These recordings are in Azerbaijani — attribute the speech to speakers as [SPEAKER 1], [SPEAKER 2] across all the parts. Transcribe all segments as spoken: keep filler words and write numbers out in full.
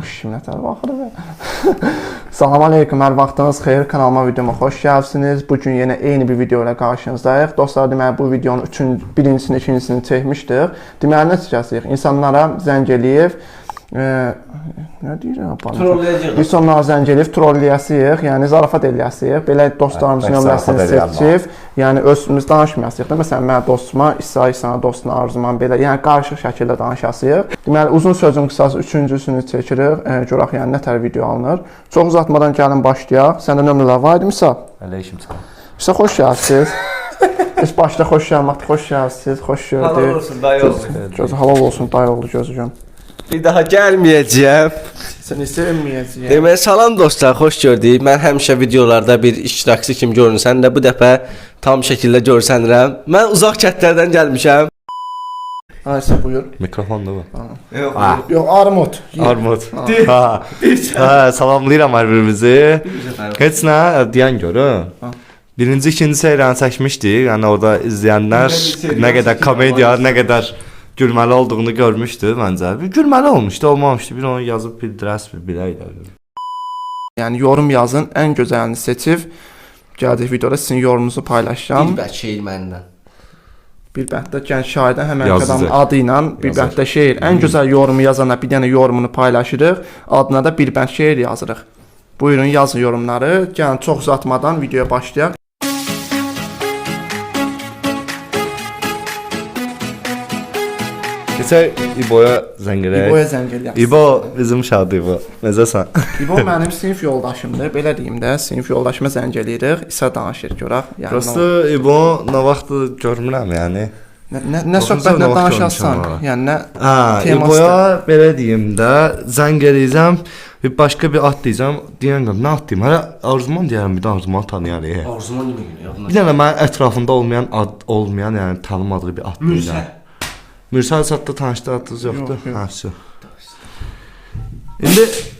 [SPEAKER 1] kim nətər baxır? Salam aleyküm, hər vaxtınız xeyir, kanalıma, videoma xoş gəlibsiniz. Bugün yenə eyni bir video ilə qarşınızdayıq. Dostlar, deməli bu videonun üçün birincisini, ikincisini çəkmişdik. Deməli nəticəsiyik, insanlara zəng eləyib, e, nə deyirəm?
[SPEAKER 2] Trolləyəcəyik.
[SPEAKER 1] Biz onlara zəng eləyib, trolləyəsiyik, yəni zarafat eləyəsiyik. Belə dostlarımızın nömrəsini seçib, yəni özümüz danışmayasıyıq da. Məsələn, mən dostuma, İsa, İsa'na dostuna arzuman belə, yəni qarışıq şəkildə danışasıyıq. Deməli, uzun sözün qısası üçüncüsünü çəkirik, e, görək yəni nətər video alınır. Çox uzatmadan gəlin başlayaq. Səndə nömrələr var idi, İsa?
[SPEAKER 3] Aleyküm salam.
[SPEAKER 1] İsa, xoş gəlsiniz. Biz başda xoş gəlməkdir, xoş gəlsiniz, xoş gördük.
[SPEAKER 2] Halal olsun, dayı oğlu.
[SPEAKER 1] Gözü halal olsun, dayı oğlu gözücüm.
[SPEAKER 2] Bir daha gəlməyəcəyəm.
[SPEAKER 1] Səni sevməyəcəyəm.
[SPEAKER 2] Deməli, salam dostlar, xoş gördük. Mən həmişə videolarda bir iştirakçı kimi görünsən də bu dəfə tam şəkildə görsənirəm. Mən uzaq kəndlərdən gəlmişəm.
[SPEAKER 1] Aysə, buyur.
[SPEAKER 3] Mikrofon da var.
[SPEAKER 2] Yox,
[SPEAKER 1] Yox, armud.
[SPEAKER 3] Armud. Ha. Ha, salamlayıram hər birimizi. Heç nə deyən görün. Birinci, ikinci seriyanı çəkmişdik. Yəni orada izləyənlər nə qədər komediya, nə qədər gülməli olduğunu görmüşdü məncə. Bir gülməli olmuşdu, olmamışdı. Bir onu yazıb bildirəs bir biləylə.
[SPEAKER 1] Yəni yorum yazın, ən gözəlini seçib gəldik videoda sizin yorumunuzu paylaşacağam.
[SPEAKER 2] bir bək şeir məndən.
[SPEAKER 1] Bir bənddə gənc şairdən həmən
[SPEAKER 3] Yazıcı.
[SPEAKER 1] adamın adı ilə bir
[SPEAKER 3] Yazar.
[SPEAKER 1] bənddə şeir. Ən gözəl yorumu yazana bir dənə yorumunu paylaşırıq. Adına da bir bənd şeir yazırıq. Buyurun, yazın yorumları. Gəlin çox uzatmadan videoya başlayaq.
[SPEAKER 3] Keçək İbo'ya zəng edək.
[SPEAKER 1] İbo'ya zəng eləyək.
[SPEAKER 3] İbo bizim uşaqdır İbo. Necəsən?
[SPEAKER 1] İbo mənim sinif yoldaşımdır. Belə deyim də, sinif yoldaşıma zəng eləyirik. İsa danışır görək. Yəni
[SPEAKER 3] Prosta İbo nə vaxt görmürəm yəni.
[SPEAKER 1] nə nə, nə söhbətlə danışasan, yəni nə
[SPEAKER 3] Ha,
[SPEAKER 1] teması.
[SPEAKER 3] İbo'ya belə deyim də, zəng eləyəcəm, bir başqa bir ad deyəcəm, deyən qəm, nə ad deyim? Hələ Arzuman deyərəm, bir də Arzuman tanıyarıq.
[SPEAKER 2] Arzuman yemək günü.
[SPEAKER 3] Bir dənə mənim ətrafımda olmayan ad olmayan, yəni tanımadığı bir ad deyirəm. Mürsəl satda tanışdı adınız yoxdur?
[SPEAKER 1] Yox, yox.
[SPEAKER 3] Ha, su. İndi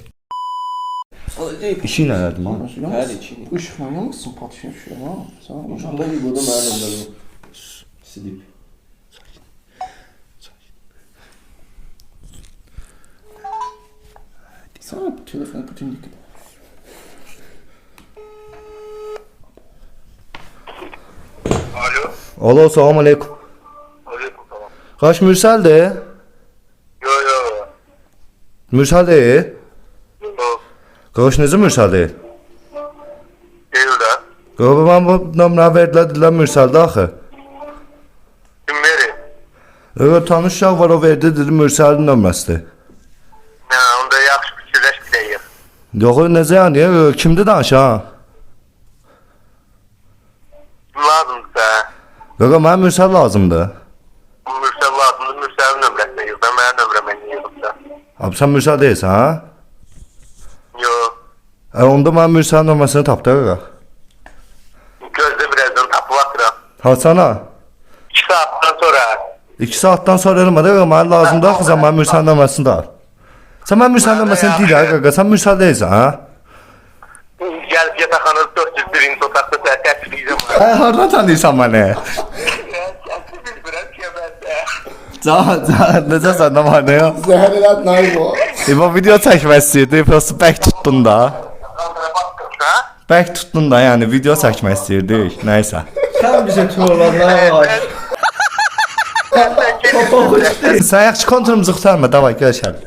[SPEAKER 3] işi nədir man?
[SPEAKER 2] Hər iki.
[SPEAKER 1] Işıqla yanmısın, patışın şuraya, ha? Sağ ol.
[SPEAKER 2] Uşaqda İbo'da mənim nömrəm. Sidip.
[SPEAKER 1] Sağ ol, telefonu bütün dikkat.
[SPEAKER 4] Alo.
[SPEAKER 3] Alo, salam aleykum.
[SPEAKER 4] Aleyküm selam.
[SPEAKER 3] Qaş Mürsəldir?
[SPEAKER 4] Yo yo.
[SPEAKER 3] Mürsəldir?
[SPEAKER 4] Yo.
[SPEAKER 3] Qaş necə Mürsəldir?
[SPEAKER 4] Değil de.
[SPEAKER 3] Qaş mən bu nömrə verdilər, dedilər Mürsəldir axı.
[SPEAKER 4] Kim veri?
[SPEAKER 3] Evet, tanış uşaq var, o verdi, dedi Mürsəlin nömrəsidir.
[SPEAKER 4] Ne onda yaxşı fikirləş biləyik.
[SPEAKER 3] Yox, necə yəni? Yo, kimdir danış ha?
[SPEAKER 4] Lazımdır da.
[SPEAKER 3] Qaş mənə Mürsəl lazımdır.
[SPEAKER 4] Mürsel lazımdır. Mürsel'in nömrəsine yığ. Ben benim nömrəmə yığım da.
[SPEAKER 3] Abi sən Mürsəl deyilsən ha?
[SPEAKER 4] Yo.
[SPEAKER 3] E, onda mən Mürsəlin nömrəsini tapdı qaqa.
[SPEAKER 4] Gözde birazdan tapı atıram.
[SPEAKER 3] Haçana?
[SPEAKER 4] İki saatten sonra.
[SPEAKER 3] İki saatdan sonra eləmədi qaqa, mənə lazımdır axı, sən mənə Mürsəlin nömrəsini də al. Sən mənə Mürsəlin nömrəsini deyil ha qaqa, sən Mürsəl deyilsən ha?
[SPEAKER 4] Gəlib yataqxanada dörd yüz birinci otaqda sənə təklifləyəcəm.
[SPEAKER 3] Hə, hardan tanıyırsan məni?
[SPEAKER 4] Gəlsin bilmirəm ki, mən də.
[SPEAKER 3] Can, can, necəsən nə var nə yox?
[SPEAKER 1] Zəhər elət nayı bu.
[SPEAKER 3] İbo video çəkmək istəyirdi, prosta bək tutdun da.
[SPEAKER 4] Ha?
[SPEAKER 3] Bək tutdun da, yəni video çəkmək istəyirdik, nəysə.
[SPEAKER 2] Sən bizə trollanlar var.
[SPEAKER 3] Sən yaxşı konturumuzu qurtarma, davay, görüşəlim.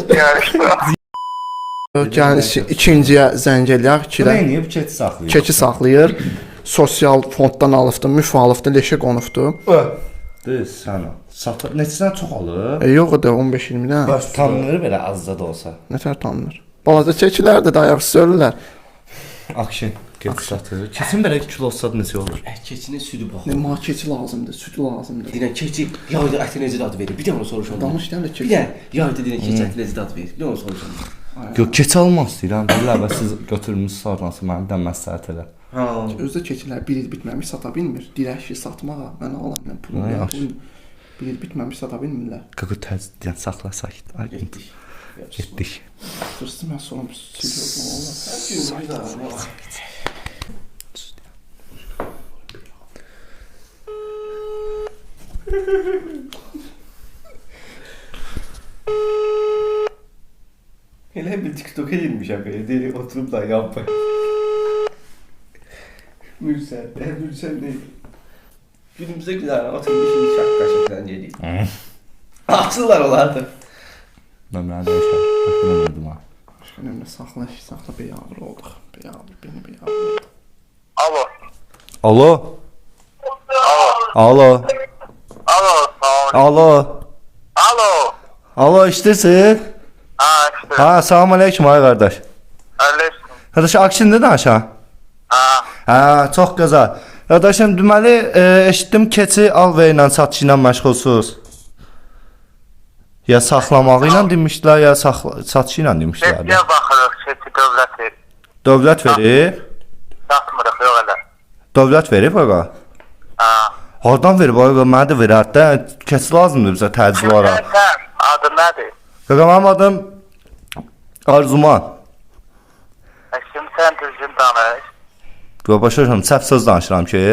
[SPEAKER 1] Yəni iki- ikinciyə zəng eləyək, ikidə
[SPEAKER 3] Nəyini, bu keçi saxlayır.
[SPEAKER 1] keçi saxlayır. Sosial fonddan alıbdı, müf alıbdı, leşə qonubdu.
[SPEAKER 3] Düz, sən o. Satır, neçədən çox alır?
[SPEAKER 1] E, yox o da on beş iyirmidən.
[SPEAKER 3] Baş tanınır belə azca da olsa.
[SPEAKER 1] Nətər tanınır? Balaca çəkilər də ayaqsız ölürlər.
[SPEAKER 3] Akşin, keçi satır. Keçin belə kilosu necə olur?
[SPEAKER 2] Keçinin südü bax.
[SPEAKER 1] Nə ma keçi lazımdır, süd lazımdır.
[SPEAKER 2] Deyirəm keçi yayda əti necə dad verir? Bir də onu soruşam.
[SPEAKER 1] Danış deyən də
[SPEAKER 2] Bir
[SPEAKER 1] keçi.
[SPEAKER 2] də yayda deyirəm keçi əti necə dad verir? Bir də onu soruşam.
[SPEAKER 3] Yox, keçi almaq istəyirəm. Deyirlər, bəs siz götürmüsünüz sonrası mənim də məsləhət elə.
[SPEAKER 2] Ha.
[SPEAKER 1] Özdə keçilər bir il bitməmiş sata bilmir. Dirəşi satmağa mən alam mən pul
[SPEAKER 3] Ay,
[SPEAKER 1] ya.
[SPEAKER 3] yaxşı.
[SPEAKER 1] pul- Bir il bitməmiş sata bilmirlər.
[SPEAKER 3] Qaqı təz, yəni saxla sakit. Ay,
[SPEAKER 2] Getdik.
[SPEAKER 3] getdik.
[SPEAKER 1] Fırsız mən sonra siliyordum valla.
[SPEAKER 2] Hər gün bir daha.
[SPEAKER 1] Elə
[SPEAKER 2] TikTok'a girmişəm belə. Deyir, oturub da yapma. Mürsən, e, Mürsən ne? Günümüzdə güzel oturmuş şimdi şapka şapkadan geliyor. Açırlar olardı.
[SPEAKER 3] Nömrəni dəyişər. Başqa nömrədim ha.
[SPEAKER 1] Başqa nömrə saxla, saxla beyavr olduq. Beyavr, beni beyavr olduq.
[SPEAKER 4] Alo.
[SPEAKER 3] Alo.
[SPEAKER 4] Alo.
[SPEAKER 3] Alo.
[SPEAKER 4] Alo.
[SPEAKER 3] Alo.
[SPEAKER 4] Alo.
[SPEAKER 3] Alo, işdirsən?
[SPEAKER 4] Ha işte.
[SPEAKER 3] Ha, salam aleyküm ay qardaş.
[SPEAKER 4] Öylesin.
[SPEAKER 3] Qardaş, Akşində danışa.
[SPEAKER 4] Ha.
[SPEAKER 3] Ha, çox qəza. Qardaşım, deməli, e, eşitdim keçi alver ilə satışı ilə məşğulsuz. Ya saxlamağı ilə demişdilər, ya saxla satışı ilə demişdilər.
[SPEAKER 4] Keçiye bakırıq. Keçi devlet verir.
[SPEAKER 3] Dövlət verib.
[SPEAKER 4] Satmırıq yok öyle.
[SPEAKER 3] Dövlət verib ağa.
[SPEAKER 4] Ha.
[SPEAKER 3] Hardan verib ağa? Mənə də verər də. Keçi lazımdır bizə təcil olaraq.
[SPEAKER 4] Sen adın nedir?
[SPEAKER 3] Qaqa, mənim adım Arzuman.
[SPEAKER 4] E şimdi sen düzgün danış.
[SPEAKER 3] Qaqa, başa düşürəm, səhv söz danışıram ki.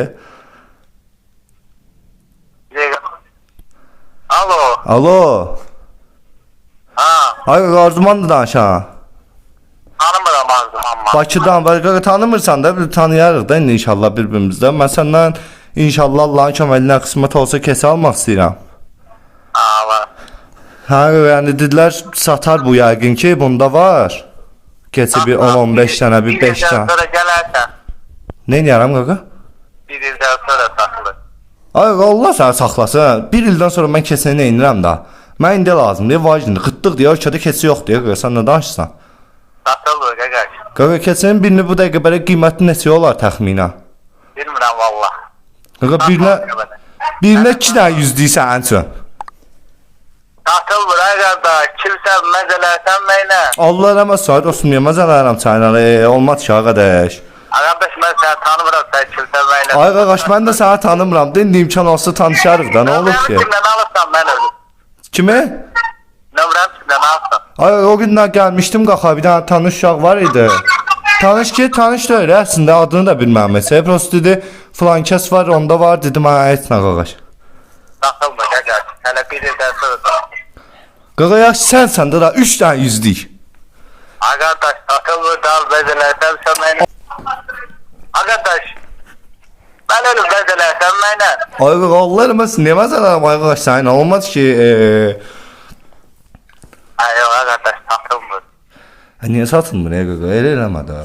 [SPEAKER 4] Ye- Alo.
[SPEAKER 3] Alo.
[SPEAKER 4] Ha.
[SPEAKER 3] Ay qaqa, Arzuman da danışan.
[SPEAKER 4] Tanımıram Arzuman.
[SPEAKER 3] Bakıdan, qaqa, tanımırsan da, bir tanıyarıq da indi inşallah bir-birimizdə. Mən səndən inşallah Allahın köməyi ilə qismət olsa keçi almaq istəyirəm.
[SPEAKER 4] Ha var.
[SPEAKER 3] Hə, yəni dedilər satar bu yəqin ki, bunda var. Keçi bir on on beş dənə, bir beş
[SPEAKER 4] Bir ildən
[SPEAKER 3] dənə.
[SPEAKER 4] sonra gələrsən.
[SPEAKER 3] Nə edərəm qaqa?
[SPEAKER 4] Bir ildən sonra satılır.
[SPEAKER 3] Ay qaqa, Allah səni saxlasın. Bir ildən sonra mən keçini nə edirəm da? Mən indi lazımdır, vacibdir. Qıtlıq deyə ölkədə keçi yox deyə qaqa, sən nə danışırsan?
[SPEAKER 4] Satılır qaqaş.
[SPEAKER 3] Qaqa, keçinin birini bu dəqiqə belə qiyməti neçə olar təxminən?
[SPEAKER 4] Bilmirəm valla.
[SPEAKER 3] Qaqa, birinə birinə iki dənə yüz deyirsən ən çox.
[SPEAKER 4] Satılır ay qardaş. Kimsə məzələrsən mənə.
[SPEAKER 3] Allah rəhmət sahib olsun, niyə məzələrəm sənə? E, olmaz ki, qardaş.
[SPEAKER 4] Qardaş mən səni tanımıram, sən kimsə mənə.
[SPEAKER 3] Ay qardaş, mən də səni tanımıram. İndi imkan olsa tanışarıq da, nə olur ki?
[SPEAKER 4] Nömrəmi kimdən alırsan mən ölüm.
[SPEAKER 3] Kimi?
[SPEAKER 4] Nömrəmi kimdən alırsan.
[SPEAKER 3] Ay, o gündən gəlmişdim qaxa, bir dənə tanış uşaq var idi. Tanış ki, tanış deyil, əslində adını da bilməm. Mesela, prosto dedi, filan kəs var, onda var, dedim, ay, etmə qardaş.
[SPEAKER 4] Satılmır qaqaş. Hələ bir ildən sonra satılır.
[SPEAKER 3] Qaqa, yaxşı, sənsən də da, üç dənə yüzlük.
[SPEAKER 4] Ay qardaş satılmır da al məzələrsən sən mənə. Ay qardaş. Mən ölüm məzələrsən mənə.
[SPEAKER 3] Ay qaqa, Allah eləməsin, niyə məsələn, ay qardaş, sənin olmaz ki, eee...
[SPEAKER 4] Ay yox ay qardaş satılmır.
[SPEAKER 3] Niyə satılmır, ey qaqa, elə eləmə də.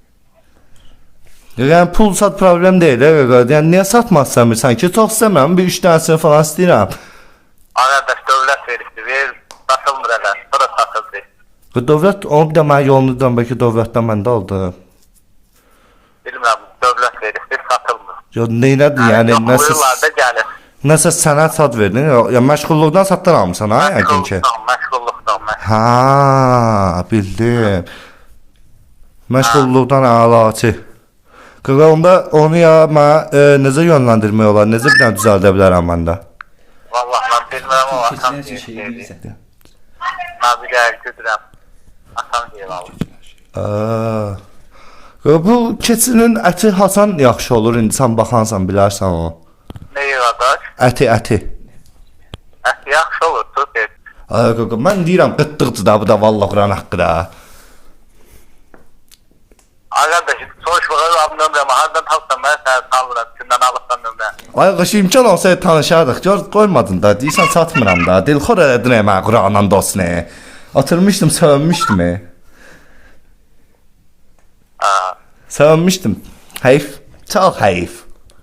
[SPEAKER 3] Yəni, pul sat problem deyil, ey qaqa, yəni, niyə satmaq istəmirsən ki, çox istəmirəm, bir üç dənəsini falan istəyirəm.
[SPEAKER 4] Ay qardaş dövlət veribdi, ver, satılmır hələ, sonra satıldı.
[SPEAKER 3] Dövlət, onu bir də mənə yolunu dön, bəlkə dövlətdən məndə aldı.
[SPEAKER 4] Bilmirəm, dövlət veribdi, satılmır.
[SPEAKER 3] Ya, neynədir, yəni, nəsə,
[SPEAKER 4] Buyurlarda gəlir.
[SPEAKER 3] nəsə sənət sad verdin, ya, məşğulluqdan satdan almışsan, ha, yəqin ki.
[SPEAKER 4] Məşğulluqdan, məşğulluqdan, məşğulluqdan.
[SPEAKER 3] Ha, bildim. Məşğulluqdan əlaçı. Qaqa, onda onu ya mənə e, necə yönləndirmək olar, necə bir dənə düzəldə bilərəm məndə?
[SPEAKER 4] Vallahi mən bilmirəm o atam
[SPEAKER 2] Keçiler şey
[SPEAKER 4] deyir.
[SPEAKER 2] değilse.
[SPEAKER 4] Mən bir gəl güdürəm. Atam deyir valla.
[SPEAKER 3] Aa. Qaqa, bu keçinin əti hasan yaxşı olur, indi sən baxansan, bilərsən o.
[SPEAKER 4] Neyi qardaş?
[SPEAKER 3] Əti, əti.
[SPEAKER 4] Ət yaxşı olur, super.
[SPEAKER 3] Ay qaqa, mən deyirəm qıtdıqdır da, bu da vallah Quran haqqı da.
[SPEAKER 4] Ay qardaş, soruşmağa alım nömrəmi, hardan tapsan mən səni salmıram, kimdən alırsan nömrə.
[SPEAKER 3] Ay qaşı, imkan olsa tanışardıq, gör qoymadın da, deyirsən satmıram da, dilxor elədin ey mənə Quranın dostunu. Atırmışdım, sövünmüşdüm ey.
[SPEAKER 4] Ha.
[SPEAKER 3] Sövünmüşdüm. Heyf, çox heyf.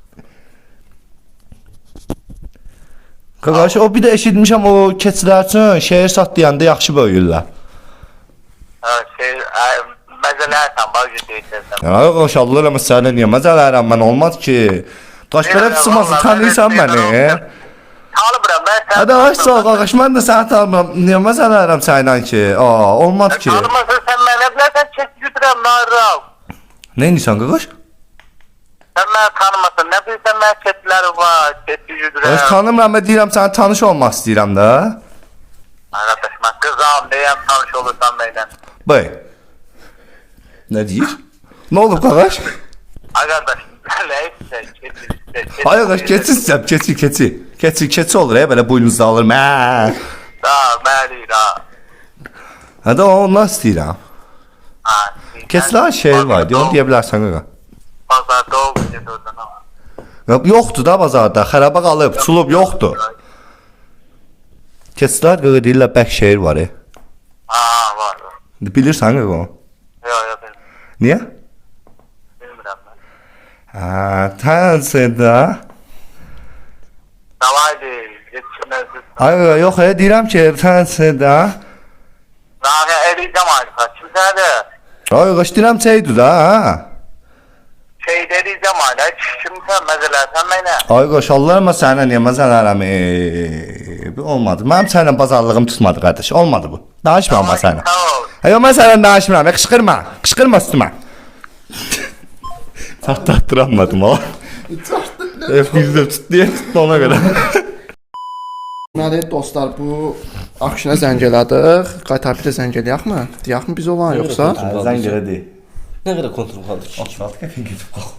[SPEAKER 3] Qaqaş, o bir də eşitmişəm o keçilər üçün şeir sat deyəndə yaxşı böyüyürlər.
[SPEAKER 4] Ha, şey, ay, məzələrsən, bax deyirsən.
[SPEAKER 3] Ya qaş, Allah eləmə sənə niyə məzələrəm mən, olmaz ki. Qaş, belə pısmasın, tanıyırsan məni.
[SPEAKER 4] Tanımıram, mən səni
[SPEAKER 3] Hadi qaş, sağ qaş, mən də səni tanımıram, niyə məzələrəm sənlə ki? Aa, olmaz ki.
[SPEAKER 4] Tanımasın sən mənə, bilərsən çək güdürəm, narral.
[SPEAKER 3] Nə edirsən qaqaş?
[SPEAKER 4] Sən məni tanımasın, nə bilirsən mən çetləri var, çetli
[SPEAKER 3] Qaş,
[SPEAKER 4] güdürəm.
[SPEAKER 3] tanımıram və deyirəm sənə tanış olmaq istəyirəm da.
[SPEAKER 4] Arkadaş, mən qızam, deyəm tanış olursan mənlə.
[SPEAKER 3] Bəy. Nə deyir? Nə olub qaqaş?
[SPEAKER 4] Arkadaş, nəysə, çetli, çetli.
[SPEAKER 3] Ay qaş, keçi istəyəm, keçi, keçi. Keçi, keçi olur, belə boynunuzda alır, mə.
[SPEAKER 4] Da, məli, da.
[SPEAKER 3] Hadi ondan istəyirəm.
[SPEAKER 4] Ha.
[SPEAKER 3] Keçilər şeir var, onu deyə bilərsən qaqa.
[SPEAKER 4] Bazarda o bir oradan ama.
[SPEAKER 3] Yox, yoxdur da bazarda, xəraba qalıb, sulub yoxdur. Keçilər qaqa deyirlər bək şeir var. E.
[SPEAKER 4] Ha var. var.
[SPEAKER 3] Bilirsən qaqa onu?
[SPEAKER 4] Yok yok bilmiyorum.
[SPEAKER 3] Niyə?
[SPEAKER 4] Bilmiyorum ben.
[SPEAKER 3] Ha, tanısı da.
[SPEAKER 4] Davaydı. Yetişmezdi.
[SPEAKER 3] Ay qaqa, yox, e, deyirəm ki, tanısı da.
[SPEAKER 4] Nahi eriyeceğim artık. Kimse de
[SPEAKER 3] Ay qaqa, deyirəm çəydi da, ha.
[SPEAKER 4] şey eriyeceğim hala. Kimse mesela sen beni.
[SPEAKER 3] Ay qaqa, Allah'ıma sənə niyə məzələrim? E, bu olmadı. Mənim səninlə bazarlığım tutmadı qardaş. Olmadı bu. Danışma amma sənə.
[SPEAKER 4] Sağ ol.
[SPEAKER 3] Ay, mən səndən danışmıram. Qışqırma. Qışqırma üstümə. Çatlatdıramadım o. F yüzdə tut deyə tutdu ona görə.
[SPEAKER 1] Deməli dostlar, bu akşına zəng elədik. Qaytar bir də zəng eləyəkmi? Deyəkmi biz olan yoxsa?
[SPEAKER 3] Zəng elədi.
[SPEAKER 2] Nə qədər kontrol qaldı ki?
[SPEAKER 3] Asfalt qəfin gedib qalx.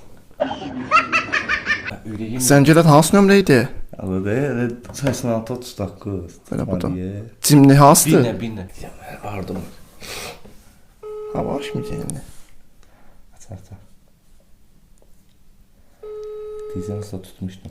[SPEAKER 1] Zəng elədi hansı nömrə idi?
[SPEAKER 3] Alıdı, səksən altı otuz doqquz.
[SPEAKER 1] Belə bu da. Cimli
[SPEAKER 2] Bir
[SPEAKER 1] hansıdır?
[SPEAKER 2] nə, bir nə. Ardım.
[SPEAKER 1] Ha var mı cimli?
[SPEAKER 3] Aç, aç. Dizən üstə tutmuşdum.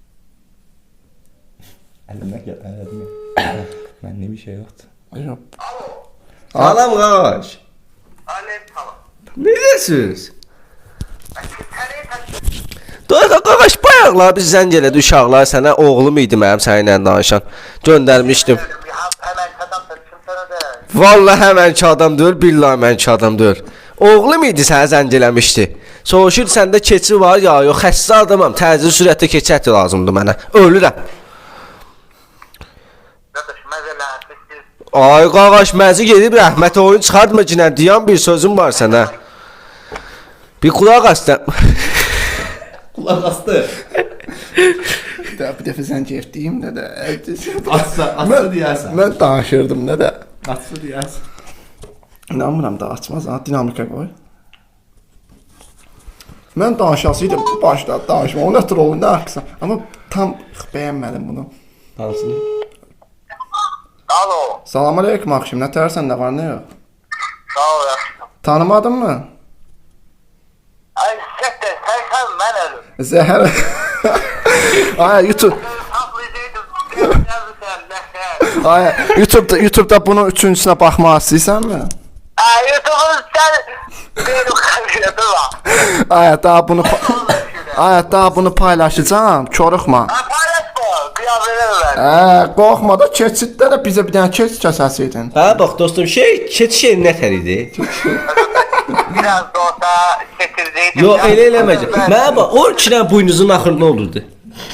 [SPEAKER 3] Əlimə gəl, əlimə. Məndə bir şey yoxdur.
[SPEAKER 1] Yox.
[SPEAKER 2] Salam qaş.
[SPEAKER 4] Alev tamam.
[SPEAKER 2] Necəsiz?
[SPEAKER 4] Nereye kaçıyorsun?
[SPEAKER 2] Doyqa qaş bayaqlar biz zəng elədi uşaqlar sənə oğlum idi mənim səninlə danışan. Göndərmişdim.
[SPEAKER 4] Bir hap hemen kazandım. Kimse de.
[SPEAKER 2] Vallahi həmənki adam deyil, billahi mənki adam deyil. Oğlum idi sənə zəng eləmişdi. Soruşur səndə keçi var ya, yox xəstə adamam, təcil sürətdə keçi əti lazımdır mənə. Ölürəm.
[SPEAKER 4] Kardeş mesela siz
[SPEAKER 2] Ay qaqaş məzi gedib rəhmət oyun çıxartma ki, nə deyən bir sözüm var sənə. Bir qulaq asdı.
[SPEAKER 3] Qulaq astı.
[SPEAKER 1] Bir də bir dəfə zəng etdiyim nə də.
[SPEAKER 3] Atsa, atsa deyərsən.
[SPEAKER 1] Mən danışırdım nə də.
[SPEAKER 3] Atsa deyərsən.
[SPEAKER 1] İnanmıram da açmaz ha, dinamika qoy. Mən danışasıydım bu başda danışma, o nətər olur, nə axsa. Amma tam bəyənmədim bunu.
[SPEAKER 2] Hansını?
[SPEAKER 4] Alo.
[SPEAKER 1] Salam aleyküm axşam, nə tərsən, nə var, nə yox?
[SPEAKER 4] Sağ ol yaşım.
[SPEAKER 1] Tanımadın mı?
[SPEAKER 4] Ay siktir sen sen ben ölüm.
[SPEAKER 1] Zəhər. Ay YouTube.
[SPEAKER 4] Hafızaydım. Yazdı sen.
[SPEAKER 1] Ay YouTube'da YouTube'da bunun üçüncüsünə baxmaq istəyirsən?
[SPEAKER 4] Ay YouTube'un sen benim kabinetim var.
[SPEAKER 1] Ay daha bunu Ay daha bunu paylaşacağam. Çoruxma.
[SPEAKER 4] Ha paylaşma. Kıyafetimi ver.
[SPEAKER 1] Hə, qorxma da keçiddə də bizə bir dənə keç kəsəydin.
[SPEAKER 2] Hə bax dostum, şey keçi şey nətər idi?
[SPEAKER 4] Biraz da olsa çekirdeydim.
[SPEAKER 2] Yo elə eləməcək. Mənə bax, o ikidən buynuzun axırı nə olurdu?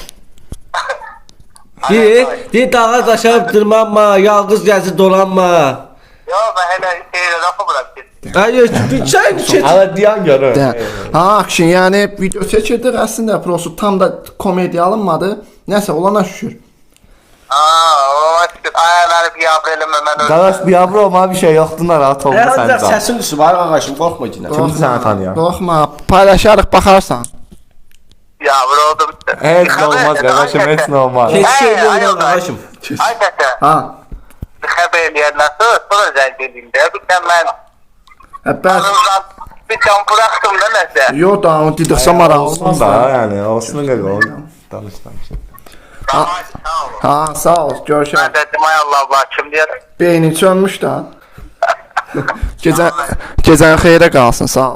[SPEAKER 2] Deyir, deyir dağa daşa dırmanma, yalqız gəzib dolanma.
[SPEAKER 4] Yo ben hele şeyle lafı bıraktım.
[SPEAKER 2] Ay, bir çay keçi.
[SPEAKER 3] Hələ deyən görür.
[SPEAKER 1] Də. Ha, akşin, yəni video çəkirdik, əslində prosto tam da komediya alınmadı. Nəsə olana şükür.
[SPEAKER 4] Aa o açık. Ay ben bir yavrelime ben öldüm.
[SPEAKER 3] Qardaş, biabro olma bir şey yoxdur, narahat olma
[SPEAKER 2] Hə,
[SPEAKER 3] sən
[SPEAKER 2] ancaq
[SPEAKER 3] can.
[SPEAKER 2] səsin düşüb, ay qaqaşım, qorxma ki.
[SPEAKER 3] Kimdir səni tanıyan?
[SPEAKER 1] Qorxma, paylaşarıq, baxarsan.
[SPEAKER 4] Yavru oldum.
[SPEAKER 3] Heç nə olmaz qardaşım, heç nə olmaz.
[SPEAKER 2] Keçi
[SPEAKER 4] Hey,
[SPEAKER 2] şey
[SPEAKER 4] ay,
[SPEAKER 2] olmaz
[SPEAKER 4] ay.
[SPEAKER 2] qaqaşım.
[SPEAKER 4] Ay tete.
[SPEAKER 1] Ha.
[SPEAKER 4] Haberler nasıl? Sonra zengin bir de ben
[SPEAKER 1] Hə, bəs.
[SPEAKER 4] anımdan bir can bıraktım da neyse.
[SPEAKER 1] Yo da onu didirsə maraq
[SPEAKER 3] Olsun
[SPEAKER 1] olmaz
[SPEAKER 3] da,
[SPEAKER 1] da.
[SPEAKER 3] yəni, olsun qaqa, ol. Danış, danış.
[SPEAKER 4] Tamam sağ ol.
[SPEAKER 1] Ha, sağ ol,
[SPEAKER 4] Ben
[SPEAKER 1] görüşək.
[SPEAKER 4] dedim ay Allah Allah kim diye.
[SPEAKER 1] Beynin sönmüş da. Gecən gecən xeyrə qalsın, sağ ol.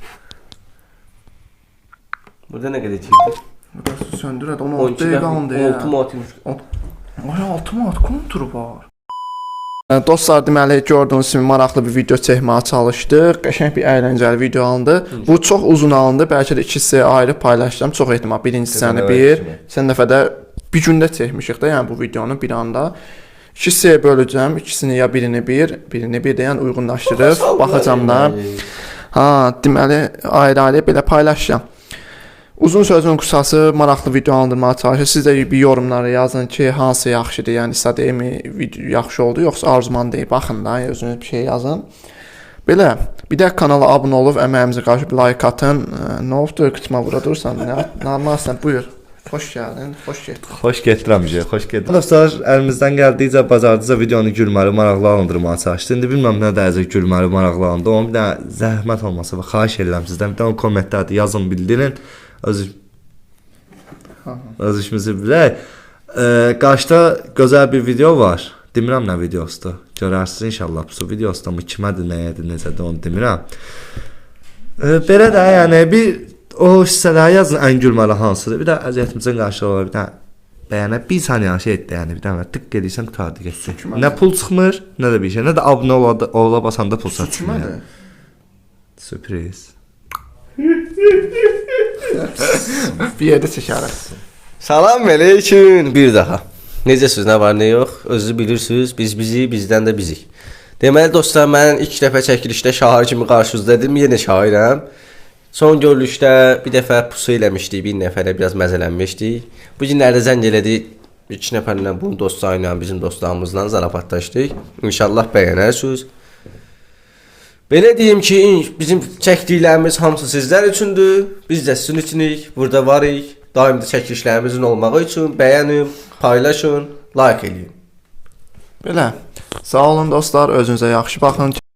[SPEAKER 2] Burada nə qədər çəkdi?
[SPEAKER 1] Burası söndür hadi, on
[SPEAKER 2] on
[SPEAKER 1] altı
[SPEAKER 2] iki
[SPEAKER 1] dəqiqə qaldı ya.
[SPEAKER 2] altı matmış.
[SPEAKER 1] Ay, altı manat konturu var. Yəni, dostlar, deməli gördüyünüz kimi maraqlı bir video çəkməyə çalışdıq. Qəşəng bir əyləncəli video alındı. Bu çox uzun alındı. Bəlkə də iki hissəyə ayrı paylaşacağam. Çox ehtimal birinci hissəni bir, sən dəfə də bir gündə çəkmişik də, yəni bu videonu bir anda. İki hissəyə böləcəm. İkisini ya birini bir, birini bir də yəni uyğunlaşdırıb baxacağam da. Ha, deməli ayrı-ayrı belə paylaşacağam. Uzun sözün qısası maraqlı video alındırmağa çalışır. Siz də bir yorumlara yazın ki, hansı yaxşıdır, yəni istədiyimi video yaxşı oldu, yoxsa arzuman deyib. Baxın da, özünüz bir şey yazın. Belə, bir də kanala abunə olub əməyimizə qarşı bir like atın. Nə oldu, qıçma vura dursan, nə normalsan, buyur. Xoş gəldin, xoş getdin.
[SPEAKER 3] Xoş getdirəmişik, xoş getdik. Dostlar, əlimizdən gəldikcə bacardıqca videonu gülməli, maraqlı alındırmağa çalışdıq. İndi bilmirəm nə dərəcə gülməli, maraqlı alındı. Onun bir də zəhmət olmasa və xahiş edirəm sizdən. Bir də kommentlərdə yazın, bildirin. Öz öz işimizi bilək. E, qarşıda gözəl bir video var. Demirəm nə videosudur. Görərsiniz inşallah bu videosu mı kimədir, nəyədir, necədir onu demirəm. E, belə də yəni bir o hissələri yazın ən gülməli hansıdır. Bir də əziyyətimizin qarşılığı olar. Bir də bəyənə bir saniyə şey etdi yəni. Bir dənə tık edirsən qutardı getsin. Nə pul çıxmır, nə də bir şey. Nə də abunə ola, ola basanda pul çıxmır. Yəni. Sürpriz.
[SPEAKER 1] Bir yerdə çəkərək.
[SPEAKER 2] Salam aleyküm bir daha. Necəsiz, nə var, nə yox? Özünüz bilirsiniz, biz bizi, bizdən də bizik. Deməli dostlar, mən ilk dəfə çəkilişdə şair kimi qarşınızdaydım, yenə şairəm. Son görülüşdə bir dəfə pusu eləmişdik, bir nəfərə biraz məzələnmişdik. Bu günlərdə zəng elədik, iki nəfərlə bunun dostlarıyla, bizim dostlarımızla zarafatlaşdıq. İnşallah bəyənərsiniz. Belə deyim ki, bizim çəkdiklərimiz hamısı sizlər üçündür. Biz də sizin üçünük, burada varıq. Daim də çəkilişlərimizin olmağı üçün bəyənin, paylaşın, like eləyin.
[SPEAKER 1] Belə. Sağ olun dostlar, özünüzə yaxşı baxın.